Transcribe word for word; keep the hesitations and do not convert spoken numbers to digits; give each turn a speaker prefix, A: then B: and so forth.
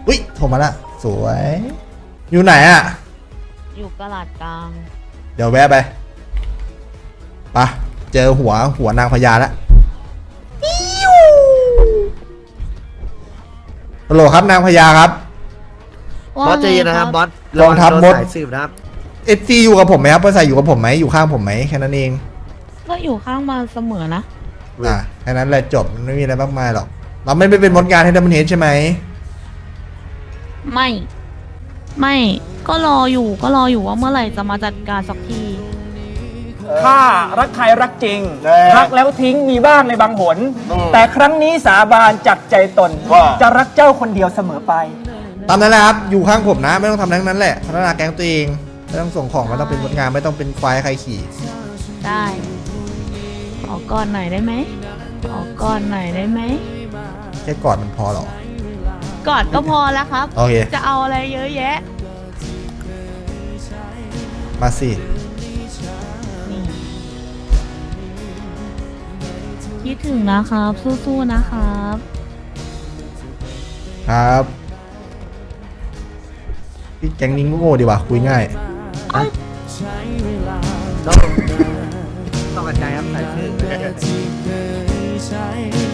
A: อุ้ยโทรมาละสวยอยู่ไหนอะ
B: อยู่กระลาดกลาง
A: เดี๋ยวแวะไปปะเจอหัวหัวนางพญาแล้วฮัลโหลครับนางพญาครับ
C: บอสใจเย็นนะครับบอส
A: กองทัพมด
C: สายสืบนะครับ
A: เอฟซีอยู่กับผมไหมครับเพื่อใส่อยู่กับผมไหมอยู่ข้างผมไหมแค่นั้นเอง
B: ก็อยู่ข้างมาเสมอนะ
A: อ่ะแค่นั้นแหละจบไม่มีอะไรมากมายหรอกเราไม่ได้เป็นมดงานให้ดัมเบิลเฮดใช่ไหม
B: ไม่ ไม่ก็รออยู่ก็รออยู่ว่าเมื่อไหร่จะมาจัดการสักที
D: ข้ารักใครรักจริงรักแล้วทิ้งมีบ้างในบางหน แต่ครั้งนี้สาบานจากใจตน จะรักเจ้าคนเดียวเสมอไป
A: ตามนั้นแหละครับอยู่ข้างผมนะไม่ต้องทำทั้งนั้นแหละพัฒนาแก๊งตัวเองไม่ต้องส่งของไม่ต้องเป็นมดงานไม่ต้องเป็นควายใครขี่
B: ได้ขอก่อนหน่อยได้ไหมขอก่อนหน่อยได้ไหม
A: แค่กอดมันพอหรอก
B: อดก็พอแล้วครับ
A: โอเค
B: จะเอาอะไรเยอะแยะ
A: มาสิ
B: นี่คิดถึงนะครับสู้ๆนะครับ
A: ครับพี่แก๊งนี้โง่ดีว่ะคุยง่าย
C: ต้องต้องกระจายครับสายสืบ